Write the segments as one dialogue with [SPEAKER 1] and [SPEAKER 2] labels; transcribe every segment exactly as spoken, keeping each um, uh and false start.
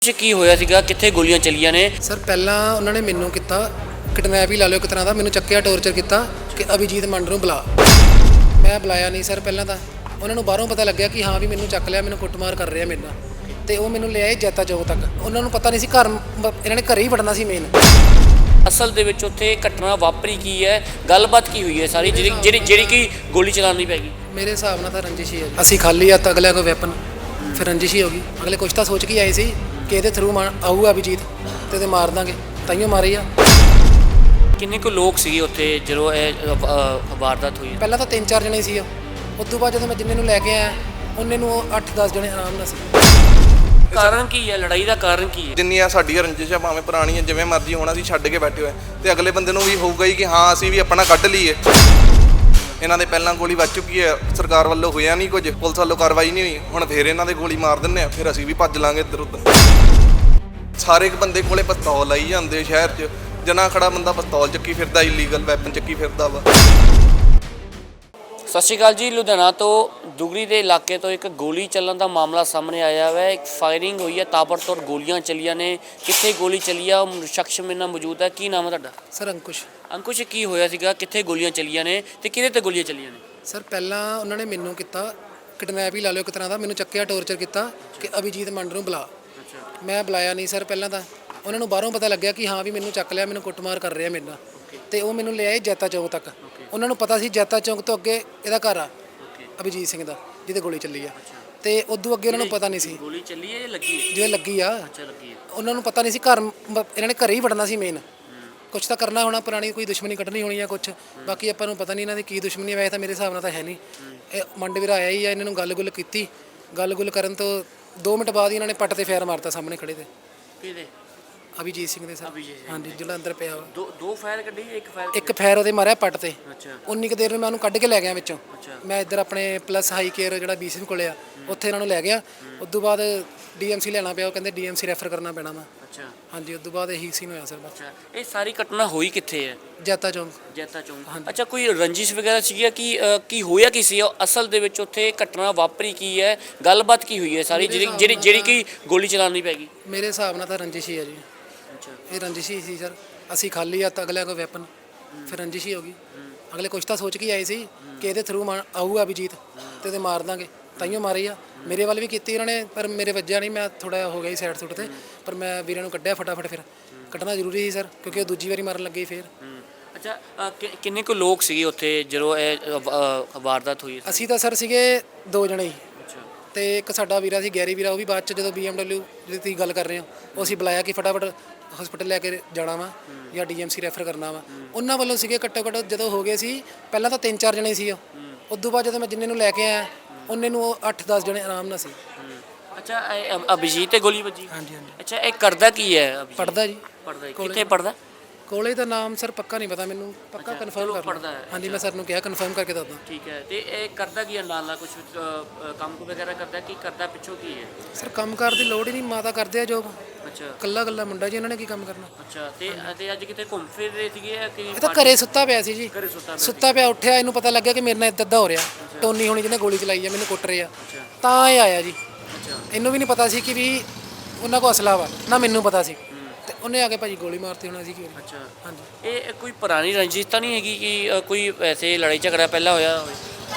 [SPEAKER 1] ਕੀ ਹੋਇਆ ਸੀਗਾ, ਕਿੱਥੇ ਗੋਲੀਆਂ ਚੱਲੀਆਂ ਨੇ?
[SPEAKER 2] ਸਰ ਪਹਿਲਾਂ ਉਹਨਾਂ ਨੇ ਮੈਨੂੰ ਕੀਤਾ ਕਿਡਨੈਪ ਹੀ ਲਾ ਲਿਓ ਇੱਕ ਤਰ੍ਹਾਂ ਦਾ, ਮੈਨੂੰ ਚੱਕਿਆ ਟੌਰਚਰ ਕੀਤਾ ਕਿ ਅਭਿਜੀਤ ਮੰਡ ਨੂੰ ਬੁਲਾ। ਮੈਂ ਬੁਲਾਇਆ ਨਹੀਂ ਸਰ। ਪਹਿਲਾਂ ਤਾਂ ਉਹਨਾਂ ਨੂੰ ਬਾਹਰੋਂ ਪਤਾ ਲੱਗਿਆ ਕਿ ਹਾਂ ਵੀ ਮੈਨੂੰ ਚੱਕ ਲਿਆ, ਮੈਨੂੰ ਕੁੱਟਮਾਰ ਕਰ ਰਿਹਾ ਮੇਰੇ ਨਾਲ, ਤੇ ਉਹ ਮੈਨੂੰ ਲੈ ਆਏ ਜੈਤਾ ਚੌਕ ਤੱਕ। ਉਹਨਾਂ ਨੂੰ ਪਤਾ ਨਹੀਂ ਸੀ ਘਰ ਇਹਨਾਂ ਨੇ ਘਰੇ ਹੀ ਵੜਨਾ ਸੀ ਮੇਨ।
[SPEAKER 1] ਅਸਲ ਦੇ ਵਿੱਚ ਉੱਥੇ ਘਟਨਾ ਵਾਪਰੀ ਕੀ ਹੈ, ਗੱਲਬਾਤ ਕੀ ਹੋਈ ਹੈ ਸਾਰੀ, ਜਿਹੜੀ ਜਿਹੜੀ ਜਿਹੜੀ ਕਿ ਗੋਲੀ ਚਲਾਉਣੀ ਪੈ ਗਈ?
[SPEAKER 2] ਮੇਰੇ ਹਿਸਾਬ ਨਾਲ ਤਾਂ ਰੰਜਿਸ਼ ਹੀ ਹੈ ਜੀ। ਅਸੀਂ ਖਾਲੀ ਹੱਥ ਅਗਲਿਆਂ ਕੋਲ ਵੈਪਨ, ਫਿਰ ਰੰਜਿਸ਼ ਹੀ ਹੋ ਗਈ। ਅਗਲੇ ਕੁਛ ਤਾਂ ਸੋਚ ਕੇ ਆਏ ਸੀ ਕਿ ਇਹਦੇ ਥਰੂ ਆਊਗਾ ਅਭਿਜੀਤ ਤੇ ਇਹਦੇ ਮਾਰ ਦਾਂਗੇ, ਤਾਈਓ ਮਾਰੀ ਆ।
[SPEAKER 1] ਕਿੰਨੇ ਕੁ ਲੋਕ ਸੀਗੇ ਉੱਥੇ ਜਦੋਂ ਇਹ ਵਾਰਦਾਤ ਹੋਈ?
[SPEAKER 2] ਪਹਿਲਾਂ ਤਾਂ ਤਿੰਨ ਚਾਰ ਜਣੇ ਸੀ। ਉਸ ਤੋਂ ਬਾਅਦ ਜਦੋਂ ਮੈਂ ਜਿੰਨੇ ਨੂੰ ਲੈ ਕੇ ਆਇਆ ਉਹਨੇ ਨੂੰ ਅੱਠ ਦਸ ਜਣੇ ਆਰਾਮ ਨਾਲ ਸੀ।
[SPEAKER 1] ਕਾਰਨ ਕੀ ਹੈ ਲੜਾਈ ਦਾ? ਕਾਰਨ ਕੀ ਹੈ?
[SPEAKER 3] ਜਿੰਨੀਆਂ ਸਾਡੀਆਂ ਰੰਜਿਸ਼ਾਂ ਭਾਵੇਂ ਪੁਰਾਣੀਆਂ ਜਿਵੇਂ ਮਰਜ਼ੀ ਹੋਣਾ, ਅਸੀਂ ਛੱਡ ਕੇ ਬੈਠੇ ਹੋਏ ਤੇ ਅਗਲੇ ਬੰਦੇ ਨੂੰ ਵੀ ਹੋਊਗਾ ਹੀ ਕਿ ਹਾਂ ਅਸੀਂ ਵੀ ਆਪਣਾ ਕੱਢ ਲਈਏ। ਇਹਨਾਂ ਦੇ ਪਹਿਲਾਂ ਗੋਲੀ ਵੱਜ ਚੁੱਕੀ ਹੈ, ਸਰਕਾਰ ਵੱਲੋਂ ਹੋਇਆ ਨਹੀਂ ਕੁਝ, ਪੁਲਿਸ ਵੱਲੋਂ ਕਾਰਵਾਈ ਨਹੀਂ ਹੋਈ, ਹੁਣ ਫੇਰ ਇਹਨਾਂ ਦੇ ਗੋਲੀ ਮਾਰ ਦਿੰਦੇ ਆ, ਫਿਰ ਅਸੀਂ ਵੀ ਭੱਜ ਲਾਂਗੇ ਇੱਧਰ ਉੱਧਰ। ਸਾਰੇ ਇੱਕ ਬੰਦੇ ਕੋਲੇ ਪਿਸਤੌਲ ਆਈ ਜਾਂਦੇ ਸ਼ਹਿਰ 'ਚ, ਜਨਾ ਖੜਾ ਬੰਦਾ ਪਿਸਤੌਲ ਚੱਕੀ ਫਿਰਦਾ, ਇਲੀਗਲ ਵੈਪਨ ਚੱਕੀ ਫਿਰਦਾ ਵਾ।
[SPEAKER 1] ਸਤਿ ਸ਼੍ਰੀ ਅਕਾਲ ਜੀ। ਲੁਧਿਆਣਾ ਤੋਂ ਦੁਗਰੀ ਦੇ ਇਲਾਕੇ ਤੋਂ ਇੱਕ ਗੋਲੀ ਚੱਲਣ ਦਾ ਮਾਮਲਾ ਸਾਹਮਣੇ ਆਇਆ ਹੈ। ਇੱਕ ਫਾਇਰਿੰਗ ਹੋਈ ਹੈ, ਤਾਬੜਤੋੜ ਗੋਲੀਆਂ ਚੱਲੀਆਂ ਨੇ। ਕਿੱਥੇ ਗੋਲੀ ਚੱਲੀ ਆ, ਉਹ ਸ਼ਖਸ ਮੇਰੇ ਨਾਲ ਮੌਜੂਦ ਹੈ। ਕੀ ਨਾਮ ਹੈ ਤੁਹਾਡਾ?
[SPEAKER 2] ਸਰ ਅੰਕੁਸ਼।
[SPEAKER 1] ਅੰਕੁਸ਼, ਕੀ ਹੋਇਆ ਸੀਗਾ, ਕਿੱਥੇ ਗੋਲੀਆਂ ਚੱਲੀਆਂ ਨੇ ਤੇ ਕਿਹਦੇ ਤੇ ਗੋਲੀਆਂ ਚੱਲੀਆਂ ਨੇ?
[SPEAKER 2] ਸਰ ਪਹਿਲਾਂ ਉਹਨਾਂ ਨੇ ਮੈਨੂੰ ਕੀਤਾ ਕਿਡਨੈਪ ਹੀ ਲਾ ਲਿਓ ਇੱਕ ਤਰ੍ਹਾਂ ਦਾ, ਮੈਨੂੰ ਚੱਕਿਆ ਟੌਰਚਰ ਕੀਤਾ ਕਿ ਅਭਿਜੀਤ ਮੰਡ ਨੂੰ ਬੁਲਾ। ਮੈਂ ਬੁਲਾਇਆ ਨਹੀਂ ਸਰ। ਪਹਿਲਾਂ ਤਾਂ ਉਹਨਾਂ ਨੂੰ ਬਾਹਰੋਂ ਪਤਾ ਲੱਗਿਆ ਕਿ ਹਾਂ ਵੀ ਮੈਨੂੰ ਚੱਕ ਲਿਆ, ਮੈਨੂੰ ਕੁੱਟਮਾਰ ਕਰ ਰਿਹਾ ਮੇਰੇ ਨਾਲ, ਤੇ ਉਹ ਮੈਨੂੰ ਲੈ ਆਏ ਜੈਤਾ ਚੌਕ ਤੱਕ। ਉਹਨਾਂ ਨੂੰ ਪਤਾ ਸੀ ਜੈਤਾ ਚੌਕ ਤੋਂ ਅੱਗੇ ਇਹਦਾ ਘਰ ਆ ਅਭਿਜੀਤ ਸਿੰਘ ਦਾ, ਜਿਹਦੇ ਗੋਲੀ ਚੱਲੀ ਆ, ਤੇ ਉਦੋਂ ਅੱਗੇ ਉਹਨਾਂ ਨੂੰ ਪਤਾ ਨਹੀਂ ਸੀ
[SPEAKER 1] ਗੋਲੀ ਚੱਲੀ ਹੈ ਜਾਂ ਲੱਗੀ ਹੈ?
[SPEAKER 2] ਜਿਵੇਂ ਲੱਗੀ ਆ।
[SPEAKER 1] ਅੱਛਾ, ਲੱਗੀ ਹੈ।
[SPEAKER 2] ਉਹਨਾਂ ਨੂੰ ਪਤਾ ਨਹੀਂ ਸੀ ਘਰ ਇਹਨਾਂ ਨੇ ਘਰੇ ਹੀ ਵੜਨਾ ਸੀ ਮੇਨ। ਕੁਛ ਤਾਂ ਕਰਨਾ ਹੋਣਾ, ਪੁਰਾਣੀ ਕੋਈ ਦੁਸ਼ਮਣੀ ਕੱਢਣੀ ਹੋਣੀ ਆ ਕੁਛ, ਬਾਕੀ ਆਪਾਂ ਨੂੰ ਪਤਾ ਨਹੀਂ ਇਹਨਾਂ ਦੀ ਕੀ ਦੁਸ਼ਮਣੀ। ਵੈਸੇ ਤਾਂ ਮੇਰੇ ਹਿਸਾਬ ਨਾਲ ਤਾਂ ਹੈ ਨਹੀਂ। ਇਹ ਮੰਡ ਵੀਰਾ ਆਇਆ ਹੀ ਆ, ਇਹਨਾਂ ਨੂੰ ਗੱਲ ਗੁੱਲ ਕੀਤੀ। ਗੱਲ ਗੁੱਲ ਕਰਨ ਤੋਂ ਦੋ ਮਿੰਟ ਬਾਅਦ ਹੀ ਇਹਨਾਂ ਨੇ ਪੱਟ ਤੇ ਫੇਰ ਮਾਰਤਾ ਸਾਹਮਣੇ ਖੜੇ ਤੇ।
[SPEAKER 1] ਕਿਹਦੇ?
[SPEAKER 2] ਅਭਿਜੀਤ ਸਿੰਘ ਦੇ ਸਰ। ਹਾਂਜੀ, ਜਿਹੜਾ ਅੰਦਰ ਪਿਆ ਵਾ।
[SPEAKER 1] ਦੋ ਦੋ ਫਾਇਰ ਕੱਢੀ, ਇੱਕ ਫਾਇਰ?
[SPEAKER 2] ਇੱਕ ਫੈਰ ਉਹਦੇ ਮਾਰਿਆ ਪੱਟ ਤੇ।
[SPEAKER 1] ਅੱਛਾ।
[SPEAKER 2] ਉਨੀ ਕੁ ਦੇਰ ਨੂੰ ਮੈਂ ਉਹਨੂੰ ਕੱਢ ਕੇ ਲੈ ਗਿਆ ਵਿੱਚੋਂ।
[SPEAKER 1] ਅੱਛਾ।
[SPEAKER 2] ਮੈਂ ਇੱਧਰ ਆਪਣੇ ਪਲੱਸ ਹਾਈ ਕੇਅਰ ਜਿਹੜਾ ਬੀਸੀਐਮ ਕੋਲੇ ਆ ਉੱਥੇ ਇਹਨਾਂ ਨੂੰ ਲੈ ਗਿਆ। ਉਸ ਤੋਂ ਬਾਅਦ ਡੀਐਮਸੀ ਲੈਣਾ ਪਿਆ, ਉਹ ਕਹਿੰਦੇ ਡੀਐਮਸੀ ਰੈਫਰ ਕਰਨਾ ਪੈਣਾ ਵਾ।
[SPEAKER 1] ਅੱਛਾ।
[SPEAKER 2] ਹਾਂਜੀ, ਉਸ ਤੋਂ ਬਾਅਦ ਇਹੀ ਸੀਨ ਹੋਇਆ ਸਰ ਬਸ।
[SPEAKER 1] ਅੱਛਾ, ਇਹ ਸਾਰੀ ਘਟਨਾ ਹੋਈ ਕਿੱਥੇ ਹੈ?
[SPEAKER 2] ਜੈਤਾ ਚੌਂਕ।
[SPEAKER 1] ਜੈਤਾ ਚੌਂਕ। ਅੱਛਾ, ਕੋਈ ਰੰਜਿਸ਼ ਵਗੈਰਾ ਸੀਗੀ ਕਿ ਕੀ ਹੋਇਆ ਕੀ ਸੀ ਅਸਲ ਦੇ ਵਿੱਚ ਉੱਥੇ? ਘਟਨਾ ਵਾਪਰੀ ਕੀ ਹੈ, ਗੱਲਬਾਤ ਕੀ ਹੋਈ ਹੈ ਸਾਰੀ, ਜਿਹੜੀ ਜਿਹੜੀ ਜਿਹੜੀ ਕਿ ਗੋਲੀ ਚਲਾਉਣੀ ਪੈ ਗਈ?
[SPEAKER 2] ਮੇਰੇ ਹਿਸਾਬ ਨਾਲ ਤਾਂ ਰੰਜਿਸ਼ ਹੀ ਹੈ ਜੀ।
[SPEAKER 1] ਅੱਛਾ।
[SPEAKER 2] ਇਹ ਰੰਜਿਸ਼ ਹੀ ਸੀ ਸਰ। ਅਸੀਂ ਖਾਲੀ ਹੱਥ ਅਗਲਿਆਂ ਕੋਲ ਵੈਪਨ, ਫਿਰ ਰੰਜਿਸ਼ ਹੀ ਹੋ ਗਈ। ਅਗਲੇ ਕੁਛ ਤਾਂ ਸੋਚ ਕੇ ਆਏ ਸੀ ਕਿ ਇਹਦੇ ਥਰੂ ਆਊਗਾ ਅਭਿਜੀਤ ਤੇ ਇਹਦੇ ਮਾਰ ਦਾਂਗੇ, ਤਾਈਓ ਮਾਰੀ ਆ। ਮੇਰੇ ਵੱਲ ਵੀ ਕੀਤੀ ਉਹਨਾਂ ਨੇ, ਪਰ ਮੇਰੇ ਵੱਜਿਆ ਨਹੀਂ, ਮੈਂ ਥੋੜਾ ਹੋ ਗਿਆ ਸੀ ਸਾਈਡ ਸੁੱਟ ਤੇ, ਪਰ ਮੈਂ ਵੀਰਾਂ ਨੂੰ ਕੱਢਿਆ ਫਟਾਫਟ। ਫਿਰ ਕੱਢਣਾ ਜ਼ਰੂਰੀ ਸੀ ਸਰ, ਕਿਉਂਕਿ ਉਹ ਦੂਜੀ ਵਾਰੀ ਮਾਰਨ ਲੱਗੇ ਫਿਰ।
[SPEAKER 1] ਅੱਛਾ, ਕਿੰਨੇ ਕੁ ਲੋਕ ਸੀਗੇ ਉੱਥੇ ਜਦੋਂ ਇਹ ਵਾਰਦਾਤ ਹੋਈ?
[SPEAKER 2] ਅਸੀਂ ਤਾਂ ਸਰ ਸੀਗੇ ਦੋ ਜਣੇ ਹੀ, ਤੇ ਇੱਕ ਸਾਡਾ ਵੀਰਾ ਸੀ ਗੈਰੀ ਵੀਰਾ, ਉਹ ਵੀ ਬਾਅਦ ਚ ਜਦੋਂ ਬੀਐਮਡਬਲਿਊ ਜਿਹਦੀ ਤੁਸੀਂ ਗੱਲ ਕਰ ਰਹੇ ਹੋ, ਉਹ ਅਸੀਂ ਬੁਲਾਇਆ ਕਿ ਫਟਾਫਟ ਹਸਪੀਟਲ ਲੈ ਕੇ ਜਾਣਾ ਵਾ ਜਾਂ ਡੀਐਮਸੀ ਰੈਫਰ ਕਰਨਾ ਵਾ। ਉਹਨਾਂ ਵੱਲੋਂ ਸੀਗੇ ਘੱਟੋ ਘੱਟ ਜਦੋਂ ਹੋ ਗਏ ਸੀ, ਪਹਿਲਾਂ ਤਾਂ ਤਿੰਨ ਚਾਰ ਜਣੇ ਸੀ। ਉਸ ਤੋਂ ਬਾਅਦ ਜਦੋਂ ਮੈਂ ਜਿੰਨੇ ਨੂੰ ਲੈ ਕੇ ਆਇਆ ਉਹਨੇ ਨੂੰ ਅੱਠ ਦਸ ਜਣੇ ਆਰਾਮ ਨਾਲ ਸੀ।
[SPEAKER 1] ਅੱਛਾ, ਅਭਿਜੀਤ ਤੇ ਗੋਲੀ ਵੱਜੀ?
[SPEAKER 2] ਹਾਂਜੀ ਹਾਂਜੀ।
[SPEAKER 1] ਅੱਛਾ, ਇਹ ਕਰਦਾ ਕੀ ਹੈ?
[SPEAKER 2] ਪੜਦਾ ਜੀ।
[SPEAKER 1] ਪੜਦਾ? ਕਿੱਥੇ ਪੜਦਾ?
[SPEAKER 2] ਕੋਲੇ ਦਾ ਨਾਮ ਸਰ ਪੱਕਾ ਨਹੀਂ ਪਤਾ ਮੈਨੂੰ, ਪੱਕਾ ਕਨਫਰਮ ਕਰਨਾ। ਹਾਂਜੀ, ਮੈਂ ਸਰ ਨੂੰ ਕਿਹਾ ਕਨਫਰਮ ਕਰਕੇ ਦੱਸਦਾ।
[SPEAKER 1] ਠੀਕ ਹੈ। ਤੇ ਇਹ ਕਰਦਾ ਕੀ ਹੈ ਨਾਲ ਨਾਲ? ਕੁਝ ਕੰਮ ਵਗੈਰਾ ਕਰਦਾ? ਕੀ ਕਰਦਾ ਪਿੱਛੋਂ ਕੀ ਹੈ?
[SPEAKER 2] ਸਰ ਕੰਮ ਕਾਰ ਦੀ ਲੋੜ ਹੀ ਨਹੀਂ, ਮਾਤਾ ਕਰਦੇ ਆ ਜੋਬ।
[SPEAKER 1] ਅੱਛਾ। ਕੱਲਾ
[SPEAKER 2] ਕੱਲਾ ਮੁੰਡਾ ਜੀ, ਇਹਨਾਂ ਨੇ ਕੀ ਕੰਮ ਕਰਨਾ।
[SPEAKER 1] ਅੱਛਾ। ਤੇ ਤੇ ਅੱਜ ਕਿਤੇ ਘੁੰਮ ਫਿਰ ਰਹੇ ਸੀਗੇ ਕਿ?
[SPEAKER 2] ਇਹ ਤਾਂ ਘਰੇ ਸੁੱਤਾ ਪਿਆ ਸੀ ਜੀ।
[SPEAKER 1] ਘਰੇ ਸੁੱਤਾ ਪਿਆ?
[SPEAKER 2] ਸੁੱਤਾ ਪਿਆ, ਉੱਠਿਆ, ਇਹਨੂੰ ਪਤਾ ਲੱਗਿਆ ਕਿ ਮੇਰੇ ਨਾਲ ਇੱਦਾਂ ਹੋ ਰਿਹਾ, ਟੋਨੀ ਹੋਣੀ ਜਿਹਨੇ ਗੋਲੀ ਚਲਾਈ ਆ, ਮੈਨੂੰ ਕੁੱਟ ਰਹੇ ਆ, ਤਾਂ ਇਹ ਆਇਆ ਜੀ।
[SPEAKER 1] ਅੱਛਾ।
[SPEAKER 2] ਇਹਨੂੰ ਵੀ ਨਹੀਂ ਪਤਾ ਸੀ ਕਿ ਵੀ ਉਹਨਾਂ ਕੋਲ ਅਸਲਾ ਵਾ, ਨਾ ਮੈਨੂੰ ਪਤਾ ਸੀ, ਤੇ ਉਹਨੇ ਆ ਕੇ ਭਾਜੀ ਗੋਲੀ ਮਾਰਤੀ ਹੋਣਾ ਸੀ ਕਿ।
[SPEAKER 1] ਅੱਛਾ।
[SPEAKER 2] ਹਾਂਜੀ।
[SPEAKER 1] ਇਹ ਕੋਈ ਪੁਰਾਣੀ ਰੰਜਿਸ਼ ਤਾਂ ਨਹੀਂ ਹੈਗੀ ਕਿ ਕੋਈ ਵੈਸੇ ਲੜਾਈ ਝਗੜਾ ਪਹਿਲਾਂ ਹੋਇਆ ਹੋਵੇ?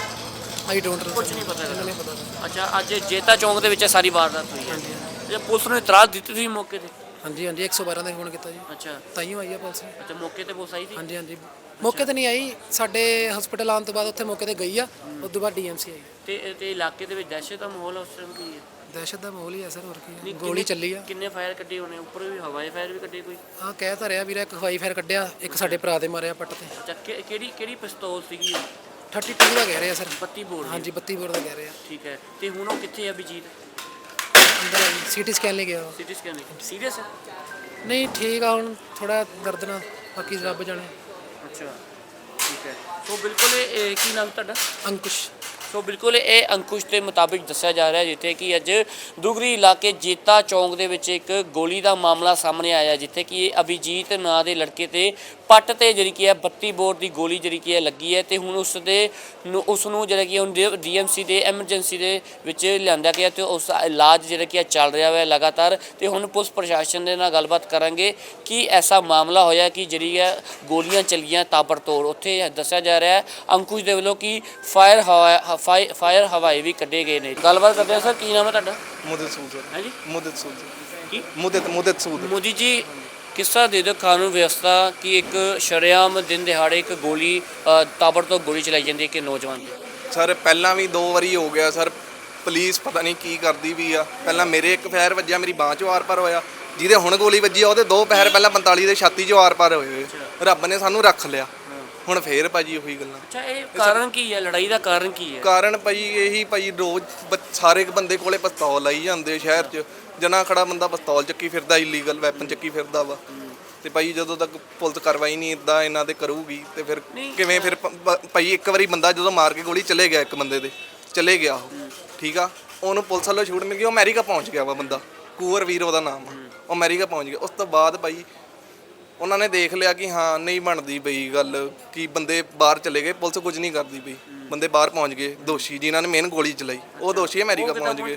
[SPEAKER 2] I don't know.
[SPEAKER 1] ਕੁਝ ਨਹੀਂ ਪਤਾ?
[SPEAKER 2] ਨਹੀਂ ਪਤਾ।
[SPEAKER 1] ਅੱਛਾ, ਅੱਜ ਜੇਤਾ ਚੌਂਕ ਦੇ ਵਿੱਚ ਸਾਰੀ ਵਾਰਦਾਤ ਹੋਈ ਹੈ।
[SPEAKER 2] ਹਾਂਜੀ
[SPEAKER 1] ਜੇ ਪੁਲਿਸ ਨੂੰ ਇਤਰਾਜ਼ ਦਿੱਤੀ ਤੁਸੀਂ ਮੌਕੇ ਤੇ?
[SPEAKER 2] ਹਾਂਜੀ ਹਾਂਜੀ, ਇੱਕ ਸੌ ਬਾਰਾਂ ਦਾ ਫੋਨ ਕੀਤਾ ਜੀ,
[SPEAKER 1] ਅੱਛਾ।
[SPEAKER 2] ਤਾਈਓ ਆਈ ਆ ਪੁਲਿਸ।
[SPEAKER 1] ਅੱਛਾ, ਮੌਕੇ ਤੇ ਪੁਲਿਸ ਆਈ ਸੀ?
[SPEAKER 2] ਹਾਂਜੀ ਹਾਂਜੀ, ਮੌਕੇ ਤੇ ਨਹੀਂ ਆਈ, ਸਾਡੇ ਹਸਪੀਟਲ ਆਉਣ ਤੋਂ ਬਾਅਦ ਉੱਥੇ ਮੌਕੇ ਤੇ ਗਈ ਆ, ਉਸ ਤੋਂ ਬਾਅਦ ਡੀਐਮਸੀ ਆਈ।
[SPEAKER 1] ਤੇ ਤੇ ਇਲਾਕੇ ਦੇ ਵਿੱਚ ਦਹਿਸ਼ਤ ਦਾ ਮਾਹੌਲ ਉਸ ਟਾਈਮ ਕੀ ਹੈ?
[SPEAKER 2] ਦਹਿਸ਼ਤ ਦਾ ਮਾਹੌਲ ਹੀ ਆ ਸਰ, ਹੋਰ ਕੀ
[SPEAKER 1] ਨਹੀਂ,
[SPEAKER 2] ਆ। ਗੋਲੀ ਚੱਲੀ ਆ।
[SPEAKER 1] ਕਿੰਨੇ ਫਾਇਰ ਕੱਢੇ ਹੋਣੇ? ਉੱਪਰ ਵੀ ਹਵਾਈ ਫਾਇਰ ਵੀ ਕੱਢੇ ਕੋਈ?
[SPEAKER 2] ਹਾਂ, ਕਹਿ ਤਾਂ ਰਿਹਾ ਵੀਰਾ, ਇੱਕ ਹਵਾਈ ਫਾਇਰ ਕੱਢਿਆ, ਇੱਕ ਸਾਡੇ ਭਰਾ ਦੇ ਮਾਰਿਆ ਪੱਟ ਤੇ।
[SPEAKER 1] ਅੱਛਾ, ਕਿ- ਕਿਹੜੀ ਕਿਹੜੀ ਪਿਸਤੌਲ ਸੀਗੀ?
[SPEAKER 2] ਥਰਟੀ ਟੂ ਦਾ ਕਹਿ ਰਹੇ ਆ ਸਰ।
[SPEAKER 1] ਬੱਤੀ ਬੋਰ?
[SPEAKER 2] ਹਾਂਜੀ, ਬੱਤੀ ਬੋਰ ਦਾ ਕਹਿ ਰਹੇ ਆ।
[SPEAKER 1] ਠੀਕ ਹੈ। ਤੇ ਹੁਣ ਉਹ ਕਿੱਥੇ ਆ ਅਭਿਜੀਤ?
[SPEAKER 2] ਅੰਦਰ ਸੀਟੀ ਸਕੈਨ ਲਈ ਗਿਆ ਉਹ।
[SPEAKER 1] CT scan? ਸੀਰੀਅਸ ਹੈ?
[SPEAKER 2] ਨਹੀਂ, ਠੀਕ ਆ, ਹੁਣ ਥੋੜਾ ਦਰਦ ਨਾਲ, ਬਾਕੀ ਰੱਬ ਜਾਣੇ।
[SPEAKER 1] ਅੱਛਾ, ਠੀਕ ਹੈ। ਸੋ ਬਿਲਕੁਲ ਇਹ ਕੀ ਨਾਮ ਤੁਹਾਡਾ?
[SPEAKER 2] ਅੰਕੁਸ਼।
[SPEAKER 1] ਸੋ ਬਿਲਕੁਲ ਇਹ ਅੰਕੁਸ਼ ਦੇ ਮੁਤਾਬਿਕ ਦੱਸਿਆ ਜਾ ਰਿਹਾ ਜਿੱਥੇ ਕਿ ਅੱਜ ਦੁਗਰੀ ਇਲਾਕੇ ਜੇਤਾ ਚੌਂਕ ਦੇ ਵਿੱਚ ਇੱਕ ਗੋਲੀ ਦਾ ਮਾਮਲਾ ਸਾਹਮਣੇ ਆਇਆ, ਜਿੱਥੇ ਕਿ ਅਭਿਜੀਤ ਨਾਂ ਦੇ ਲੜਕੇ ਤੇ ਪੱਟ ਤੇ ਜਿਹੜੀ ਕੀ ਹੈ ਬੱਤੀ ਬੋਰ ਦੀ ਗੋਲੀ ਜਿਹੜੀ ਕੀ ਹੈ ਲੱਗੀ ਹੈ ਤੇ ਹੁਣ ਉਸ ਦੇ ਨੂੰ ਉਸ ਨੂੰ ਜਿਹੜਾ ਕਿ ਹੁਣ ਡੀਐਮਸੀ ਦੇ ਐਮਰਜੈਂਸੀ ਦੇ ਵਿੱਚ ਲਿਆਂਦਾ ਗਿਆ ਤੇ ਉਸ ਦਾ ਇਲਾਜ ਜਿਹੜਾ ਕੀ ਹੈ ਚੱਲ ਰਿਹਾ ਹੈ ਲਗਾਤਾਰ। ਤੇ ਹੁਣ ਪੁਲਿਸ ਪ੍ਰਸ਼ਾਸਨ ਦੇ ਨਾਲ ਗੱਲਬਾਤ ਕਰਾਂਗੇ ਕਿ ਐਸਾ ਮਾਮਲਾ ਹੋਇਆ ਕਿ ਜਿਹੜੀ ਹੈ ਗੋਲੀਆਂ ਚੱਲੀਆਂ ਤਾਬੜਤੋੜ। ਉੱਥੇ ਦੱਸਿਆ ਜਾ ਰਿਹਾ ਹੈ ਅੰਕੁਸ਼ ਦੇ ਵੱਲੋਂ ਕਿ ਫਾਇਰ ਹਵਾ ਫਾਇਰ ਹਵਾਈ ਵੀ ਕੱਢੇ ਗਏ ਨੇ। ਗੱਲਬਾਤ ਕਰਦੇ ਹਾਂ ਸਰ, ਕੀ ਨਾਮ ਹੈ ਤੁਹਾਡਾ?
[SPEAKER 3] ਮੁਦਤ ਸੂਦ
[SPEAKER 1] ਹੈ ਜੀ
[SPEAKER 3] ਮੁਦਤ ਸੂਦ
[SPEAKER 1] ਕੀ
[SPEAKER 3] ਮੁਦਤ ਮੁਦਤ ਸੂਦ
[SPEAKER 1] ਮੋਦੀ ਜੀ ਕਿਸ ਤਰ੍ਹਾਂ ਦੇ ਦਿਓ ਕਾਨੂੰਨ ਵਿਵਸਥਾ ਕਿ ਇੱਕ ਸ਼ਰੇਆਮ ਦਿਨ ਦਿਹਾੜੇ ਇੱਕ ਗੋਲੀ ਅ, ਤਾਬੜਤੋੜ ਗੋਲੀ ਚਲਾਈ ਜਾਂਦੀ ਹੈ ਕਿ ਨੌਜਵਾਨ ਦੀ?
[SPEAKER 3] ਸਰ ਪਹਿਲਾਂ ਵੀ ਦੋ ਵਾਰੀ ਹੋ ਗਿਆ ਸਰ। ਪੁਲਿਸ ਪਤਾ ਨਹੀਂ ਕੀ ਕਰਦੀ ਵੀ ਆ। ਪਹਿਲਾਂ ਮੇਰੇ ਇੱਕ ਫਾਇਰ ਵੱਜਿਆ, ਮੇਰੀ ਬਾਂਹ 'ਚੋਂ ਆਰ ਪਾਰ ਹੋਇਆ। ਜਿਹਦੇ ਹੁਣ ਗੋਲੀ ਵੱਜੀ ਆ ਉਹਦੇ ਦੋ ਪੈਰ ਪਹਿਲਾਂ ਪੰਤਾਲੀ ਦੇ ਛਾਤੀ 'ਚੋਂ ਆਰ ਪਾਰ ਹੋਏ ਹੋਏ। ਰੱਬ ਨੇ ਸਾਨੂੰ ਰੱਖ ਲਿਆ। ਹੁਣ ਫੇਰ ਭਾਜੀ ਉਹੀ ਗੱਲਾਂ।
[SPEAKER 1] ਅੱਛਾ, ਇਹ ਕਾਰਨ ਕੀ ਹੈ? ਲੜਾਈ ਦਾ ਕਾਰਨ ਕੀ ਹੈ?
[SPEAKER 3] ਕਾਰਨ ਭਾਜੀ ਇਹੀ ਭਾਜੀ ਰੋਜ਼ ਬ- ਸਾਰੇ ਬੰਦੇ ਕੋਲੇ ਪਿਸਤੌਲ ਲਾਈ ਜਾਂਦੇ ਸ਼ਹਿਰ 'ਚ। ਜਨਾ ਖੜਾ ਬੰਦਾ ਪਿਸਤੌਲ ਚੱਕੀ ਫਿਰਦਾ, ਇਲੀਗਲ ਵੈਪਨ ਚੱਕੀ ਫਿਰਦਾ ਵਾ। ਤੇ ਭਾਈ ਜਦੋਂ ਤੱਕ ਪੁਲਿਸ ਕਾਰਵਾਈ ਨਹੀਂ ਇਦਾਂ ਇਹਨਾਂ ਤੇ ਕਰੂਗੀ ਤੇ ਫਿਰ ਕਿਵੇਂ? ਫਿਰ ਪ- ਪ- ਭਾਈ ਇੱਕ ਵਾਰੀ ਬੰਦਾ ਜਦੋਂ ਮਾਰ ਕੇ ਗੋਲੀ ਚਲੇ ਗਿਆ, ਇੱਕ ਬੰਦੇ ਦੇ ਚਲੇ ਗਿਆ ਉਹ, ਠੀਕ ਆ, ਉਹਨੂੰ ਪੁਲਿਸ ਵੱਲੋਂ ਛੂਟ ਮਿਲ ਗਈ। ਉਹ ਅਮਰੀਕਾ ਪਹੁੰਚ ਗਿਆ ਵਾ ਬੰਦਾ, ਕੁੰਵਰ ਵੀਰ ਉਹਦਾ ਨਾਮ ਆ। ਉਹ ਅਮਰੀਕਾ ਪਹੁੰਚ ਗਿਆ। ਉਸ ਤੋਂ ਬਾਅਦ ਭਾਈ ਉਹਨਾਂ ਨੇ ਦੇਖ ਲਿਆ ਕਿ ਹਾਂ ਨਹੀਂ ਬਣਦੀ ਪਈ ਗੱਲ, ਕਿ ਬੰਦੇ ਬਾਹਰ ਚਲੇ ਗਏ, ਪੁਲਿਸ ਕੁਝ ਨਹੀਂ ਕਰਦੀ ਪਈ। ਬੰਦੇ ਬਾਹਰ ਪਹੁੰਚ ਗਏ, ਦੋਸ਼ੀ ਜਿਨ੍ਹਾਂ ਨੇ ਮੇਨ ਗੋਲੀ ਚਲਾਈ ਉਹ ਦੋਸ਼ੀ ਅਮਰੀਕਾ ਪਹੁੰਚ ਗਏ।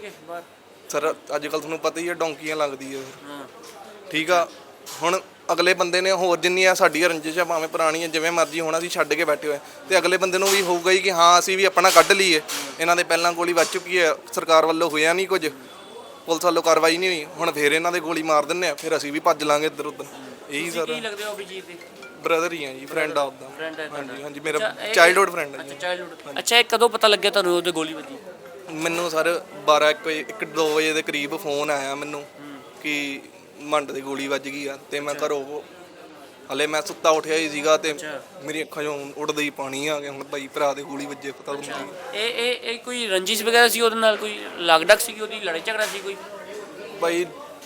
[SPEAKER 3] ਸਰ ਅੱਜ ਕੱਲ੍ਹ ਤੁਹਾਨੂੰ ਪਤਾ ਹੀ ਹੈ ਡੌਂਕੀਆਂ ਲੱਗਦੀ ਹੈ ਫਿਰ, ਠੀਕ ਆ। ਹੁਣ ਅਗਲੇ ਬੰਦੇ ਨੇ ਹੋਰ ਜਿੰਨੀਆਂ ਸਾਡੀਆਂ ਰੰਜਿਸ਼ਾਂ ਭਾਵੇਂ ਪੁਰਾਣੀਆਂ ਜਿਵੇਂ ਮਰਜ਼ੀ ਹੋਣਾ, ਅਸੀਂ ਛੱਡ ਕੇ ਬੈਠੇ ਹੋਏ ਤੇ ਅਗਲੇ ਬੰਦੇ ਨੂੰ ਵੀ ਹੋਊਗਾ ਹੀ ਕਿ ਹਾਂ ਅਸੀਂ ਵੀ ਆਪਣਾ ਕੱਢ ਲਈਏ। ਇਹਨਾਂ ਦੇ ਪਹਿਲਾਂ ਗੋਲੀ ਵੱਜ ਚੁੱਕੀ ਹੈ, ਸਰਕਾਰ ਵੱਲੋਂ ਹੋਇਆ ਨਹੀਂ ਕੁਝ, ਪੁਲਿਸ ਵੱਲੋਂ ਕਾਰਵਾਈ ਨਹੀਂ ਹੋਈ। ਹੁਣ ਫੇਰ ਇਹਨਾਂ ਦੇ ਗੋਲੀ ਮਾਰ ਦਿੰਦੇ ਆ, ਫਿਰ ਅਸੀਂ ਵੀ ਭੱਜ ਲਾਂਗੇ ਇੱਧਰ ਉੱਧਰ। ਇਹੀ ਸਰ
[SPEAKER 1] ਕੀ ਲੱਗਦੇ ਹੋ ਅਭਿਜੀਤ ਦੇ?
[SPEAKER 3] ਬ੍ਰਦਰ ਹੀ ਆ ਜੀ, ਫਰੈਂਡ ਆਪਦਾ।
[SPEAKER 1] ਫਰੈਂਡ ਹੈ
[SPEAKER 3] ਹਾਂਜੀ ਹਾਂਜੀ, ਮੇਰਾ ਚਾਈਲਡਹੁੱਡ ਫਰੈਂਡ ਹੈ
[SPEAKER 1] ਅੱਛਾ,
[SPEAKER 3] ਜੀ।
[SPEAKER 1] ਚਾਈਲਡਹੁੱਡ। ਅੱਛਾ, ਇਹ ਕਦੋਂ ਪਤਾ ਲੱਗਿਆ ਤੁਹਾਨੂੰ ਉਹਦੇ ਗੋਲੀ ਵੱਜੀ?
[SPEAKER 3] ਮੈਨੂੰ ਸਰ ਬਾਰਾਂ ਇੱਕ ਵਜੇ ਇੱਕ ਦੋ ਵਜੇ ਦੇ ਕਰੀਬ ਫੋਨ ਆਇਆ ਮੈਨੂੰ ਕਿ ਮੰਡ ਦੀ ਗੋਲੀ ਵੱਜ ਗਈ ਆ। ਤੇ ਮੈਂ ਘਰੋਂ ਹਲੇ ਮੈਂ ਸੁੱਤਾ ਉੱਠਿਆ ਹੀ ਸੀਗਾ ਤੇ ਮੇਰੀ ਅੱਖਾਂ 'ਚੋਂ ਉੱਡਦਾ ਹੀ ਪਾਣੀ ਆ ਗਿਆ। ਹੁਣ ਭਾਈ ਭਰਾ ਦੇ ਗੋਲੀ ਵੱਜੇ, ਪਤਾ ਤੁਹਾਨੂੰ।
[SPEAKER 1] ਇਹ ਇਹ ਇਹ ਕੋਈ ਰੰਜਿਸ਼ ਵਗੈਰਾ ਸੀ ਉਹਦੇ ਨਾਲ? ਕੋਈ ਲੱਗਡਕ ਸੀ? ਉਹਦੀ ਲੜਾਈ ਝਗੜਾ ਸੀ ਕੋਈ?
[SPEAKER 3] ਭਾਈ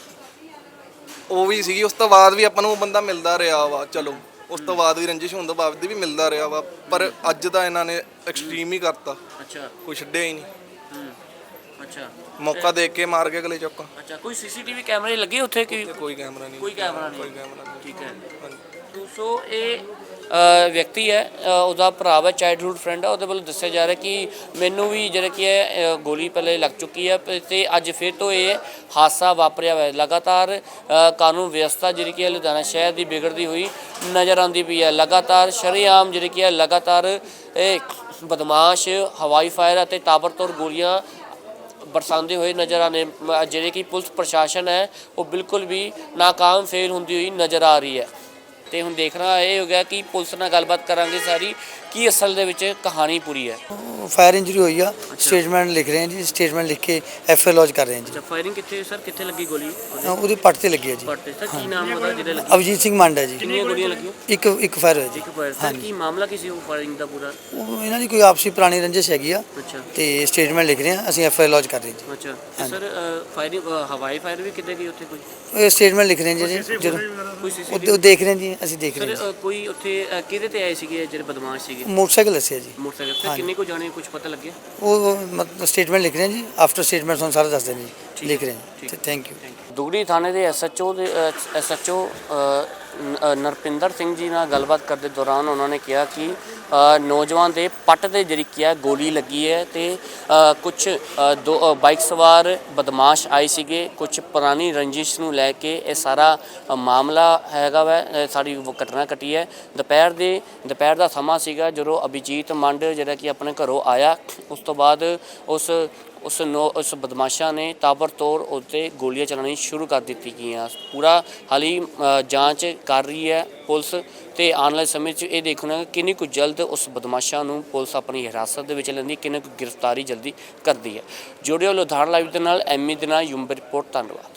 [SPEAKER 3] ਉਹ ਵੀ ਸੀਗੀ। ਉਸ ਤੋਂ ਬਾਅਦ ਵੀ ਆਪਾਂ ਨੂੰ ਉਹ ਬੰਦਾ ਮਿਲਦਾ ਰਿਹਾ ਵਾ। ਚਲੋ ਉਸ ਤੋਂ ਬਾਅਦ ਵੀ ਰੰਜਿਸ਼ ਹੋਣ ਤੋਂ ਬਾਅਦ ਵੀ ਮਿਲਦਾ ਰਿਹਾ ਵਾ, ਪਰ ਅੱਜ ਤਾਂ ਇਹਨਾਂ ਨੇ ਐਕਸਟ੍ਰੀਮ ਹੀ ਕਰਤਾ।
[SPEAKER 1] ਅੱਛਾ,
[SPEAKER 3] ਕੋਈ ਛੱਡਿਆ ਹੀ ਨਹੀਂ।
[SPEAKER 1] ਅੱਛਾ,
[SPEAKER 3] ਮੌਕਾ ਦੇਖ ਕੇ ਮਾਰ ਕੇ ਅਗਲੇ ਚੌਕਾ।
[SPEAKER 1] ਅੱਛਾ। ਕੋਈ ਸੀਸੀਟੀਵੀ ਕੈਮਰੇ ਲੱਗੇ ਉੱਥੇ ਕਿ
[SPEAKER 3] ਕੋਈ ਕੈਮਰਾ ਨਹੀਂ,
[SPEAKER 1] ਕੋਈ ਕੈਮਰਾ ਨਹੀਂ?
[SPEAKER 3] ਕੋਈ ਕੈਮਰਾ ਨਹੀਂ।
[SPEAKER 1] ਠੀਕ ਹੈ।
[SPEAKER 3] ਹਾਂਜੀ।
[SPEAKER 1] ਸੋ ਇਹ ਅ, ਵਿਅਕਤੀ ਹੈ, ਅ, ਉਹਦਾ ਭਰਾ ਹੈ, ਚਾਈਲਡਹੁੱਡ ਫਰੈਂਡ ਹੈ। ਉਹਦੇ ਵੱਲੋਂ ਦੱਸਿਆ ਜਾ ਰਿਹਾ ਕਿ ਮੈਨੂੰ ਵੀ ਜਿਹੜਾ ਕੀ ਹੈ ਅ, ਗੋਲੀ ਪਹਿਲੇ ਲੱਗ ਚੁੱਕੀ ਹੈ ਤੇ ਅੱਜ ਫਿਰ ਤੋਂ ਇਹ ਹਾਦਸਾ ਵਾਪਰਿਆ ਹੋਇਆ। ਲਗਾਤਾਰ ਅ, ਕਾਨੂੰਨ ਵਿਵਸਥਾ ਜਿਹੜੀ ਕੀ ਹੈ ਲੁਧਿਆਣਾ ਸ਼ਹਿਰ ਦੀ ਵਿਗੜਦੀ ਹੋਈ ਨਜ਼ਰ ਆਉਂਦੀ ਪਈ ਹੈ। ਲਗਾਤਾਰ ਸ਼ਰੇਆਮ ਜਿਹੜੀ ਕੀ ਹੈ ਲਗਾਤਾਰ ਇਹ ਬਦਮਾਸ਼ ਹਵਾਈ ਫਾਇਰ ਅਤੇ ਤਾਬੜਤੋੜ ਗੋਲੀਆਂ ਬਰਸਾਉਂਦੇ ਹੋਏ ਨਜ਼ਰ ਆਨੇ, ਜਿਹੜੇ ਕਿ ਪੁਲਿਸ ਪ੍ਰਸ਼ਾਸਨ ਹੈ ਉਹ ਬਿਲਕੁਲ ਵੀ ਨਾਕਾਮ ਫੇਲ ਹੁੰਦੀ ਹੋਈ ਨਜ਼ਰ ਆ ਰਹੀ ਹੈ। ਤੇ ਹੁਣ ਦੇਖਣਾ ਇਹ ਹੋ ਗਿਆ ਕਿ ਪੁਲਿਸ ਨਾਲ ਗੱਲਬਾਤ ਕਰਾਂਗੇ ਸਾਰੀ ਕੀ ਅਸਲ ਦੇ ਵਿੱਚ ਕਹਾਣੀ ਪੂਰੀ ਹੈ।
[SPEAKER 4] ਫਾਇਰ ਇੰਜਰੀ ਹੋਈ ਆ, ਸਟੇਟਮੈਂਟ ਲਿਖ ਰਹੇ ਹਾਂ ਜੀ। ਸਟੇਟਮੈਂਟ ਲਿਖ ਕੇ ਐਫ ਆਈ ਲੌਜ ਕਰ ਰਹੇ ਹਾਂ ਜੀ।
[SPEAKER 1] ਅੱਛਾ, ਫਾਇਰਿੰਗ ਕਿੱਥੇ ਸਰ, ਕਿੱਥੇ ਲੱਗੀ ਗੋਲੀ?
[SPEAKER 4] ਉਹਦੀ ਪੱਟ ਤੇ ਲੱਗੀ ਹੈ ਜੀ।
[SPEAKER 1] ਪੱਟ ਤੇ। ਸਰ ਕੀ ਨਾਮ ਉਹਦਾ ਜਿਹਦੇ ਲੱਗੀ?
[SPEAKER 4] ਅਭਿਜੀਤ ਸਿੰਘ ਮੰਡ ਹੈ ਜੀ।
[SPEAKER 1] ਕਿੰਨੀਆਂ ਗੋਲੀਆਂ ਲੱਗੀਆਂ?
[SPEAKER 4] ਇੱਕ ਇੱਕ ਫਾਇਰ ਹੋਇਆ ਜੀ।
[SPEAKER 1] ਇੱਕ ਫਾਇਰ। ਸਰ ਕੀ ਮਾਮਲਾ ਕੀ ਸੀ ਉਹ ਫਾਇਰਿੰਗ ਦਾ ਪੂਰਾ?
[SPEAKER 4] ਉਹ ਇਹਨਾਂ ਦੀ ਕੋਈ ਆਪਸੀ ਪੁਰਾਣੀ ਰੰਜਿਸ਼ ਹੈਗੀ ਆ
[SPEAKER 1] ਅੱਛਾ,
[SPEAKER 4] ਤੇ ਸਟੇਟਮੈਂਟ ਲਿਖ ਰਹੇ ਹਾਂ ਅਸੀਂ, ਐਫ ਆਈ ਲੌਜ ਕਰ ਰਹੇ ਹਾਂ
[SPEAKER 1] ਅੱਛਾ। ਤੇ ਸਰ ਫਾਇਰਿੰਗ ਹਵਾਈ ਫਾਇਰ ਵੀ ਕਿੱਥੇ ਗਈ ਉੱਥੇ ਕੋਈ?
[SPEAKER 4] ਜੀ। ਇਹ ਸਟੇਟਮੈਂਟ ਲਿਖ ਰਹੇ ਹਾਂ ਜੀ ਜਦੋਂ
[SPEAKER 1] ਕੋਈ
[SPEAKER 4] ਉਹ
[SPEAKER 1] ਸੀਸੀਟੀਵੀ?
[SPEAKER 4] ਉਹ ਦੇਖ ਰਹੇ ਹਾਂ ਜੀ, ਅਸੀਂ ਦੇਖ ਰਹੇ
[SPEAKER 1] ਸਰ
[SPEAKER 4] ਹਾਂ
[SPEAKER 1] ਅ, ਕੋਈ ਉੱਥੇ ਅ, ਕਿਹਦੇ ਤੇ ਆਏ ਸੀਗੇ ਜਿਹੜੇ ਬਦਮਾਸ਼ ਸੀਗੇ?
[SPEAKER 4] ਜੀ। ਮੋਟਰਸਾਈਕਲ ਦੱਸਿਆ ਜੀ।
[SPEAKER 1] ਮੋਟਰਸਾਈਕਲ। ਸਰ ਕਿੰਨੇ ਕੋ ਜਾਣੇ ਕੁਝ ਪਤਾ ਲੱਗਿਆ?
[SPEAKER 4] ਉਹ ਮਤਲਬ ਸਟੇਟਮੈਂਟ ਲਿਖ ਰਹੇ ਹਾਂ ਜੀ। ਆਫਟਰ ਸਟੇਟਮੈਂਟ ਤੁਹਾਨੂੰ ਸਾਰਾ ਦੱਸ ਦੇਣਗੇ ਜੀ। ਲਿਖ ਰਹੇ ਹਾਂ। Thank you.
[SPEAKER 1] ਦੁਗਰੀ ਥਾਣੇ ਦੇ ਐਸਐਚਓ ਦੇ ਐਸਐਚਓ ਨਰਪਿੰਦਰ ਸਿੰਘ ਜੀ ਨਾਲ ਗੱਲਬਾਤ ਕਰਦੇ ਦੌਰਾਨ ਉਹਨਾਂ ਨੇ ਕਿਹਾ ਕਿ ਅ, ਨੌਜਵਾਨ ਦੇ ਪੱਟ ਤੇ ਜਿਹੜੀ ਕੀ ਹੈ ਗੋਲੀ ਲੱਗੀ ਹੈ ਤੇ ਕੁਝ ਦੋ ਅ, ਬਾਈਕ ਸਵਾਰ ਬਦਮਾਸ਼ ਆਏ ਸੀਗੇ। ਕੁਝ ਪੁਰਾਣੀ ਰੰਜਿਸ਼ ਨੂੰ ਲੈ ਕੇ ਇਹ ਸਾਰਾ ਅ, ਮਾਮਲਾ ਹੈਗਾ ਵੈ। ਅ, ਸਾਡੀ ਉਹ ਘਟਨਾ ਘਟੀ ਹੈ ਦੁਪਹਿਰ ਦੇ ਦੁਪਹਿਰ ਦਾ ਸਮਾਂ ਸੀਗਾ ਜਦੋਂ ਅਭਿਜੀਤ ਮੰਡ ਜਿਹੜਾ ਕਿ ਆਪਣੇ ਘਰੋਂ ਆਇਆ। ਉਸ ਤੋਂ ਬਾਅਦ ਉਸ ਉਸ ਨੋ ਉਸ ਬਦਮਾਸ਼ਾਂ ਨੇ ਤਾਬੜਤੋੜ ਉੱਤੇ ਗੋਲੀਆਂ ਚਲਾਉਣੀ ਸ਼ੁਰੂ ਕਰ ਦਿੱਤੀ ਗਈਆਂ। ਪੂਰਾ ਹਾਲੀ ਅ, ਜਾਂਚ ਕਰ ਰਹੀ ਹੈ ਪੁਲਿਸ ਤੇ ਆਉਣ ਵਾਲੇ ਸਮੇਂ 'ਚ ਇਹ ਦੇਖਣਾ ਕਿੰਨੀ ਕੁ ਜਲਦ ਉਸ ਬਦਮਾਸ਼ਾਂ ਨੂੰ ਪੁਲਿਸ ਆਪਣੀ ਹਿਰਾਸਤ ਦੇ ਵਿੱਚ ਲੈਂਦੀ, ਕਿੰਨੀ ਕੁ ਗ੍ਰਿਫਤਾਰੀ ਜਲਦੀ ਕਰਦੀ ਹੈ। ਜੁੜਿਓ ਲੁਧਿਆਣਾ ਲਾਈਵ ਦੇ ਨਾਲ, ਐਮੀ ਦੇ ਨਾਲ, ਯੂਮ ਰਿਪੋਰਟ। ਧੰਨਵਾਦ।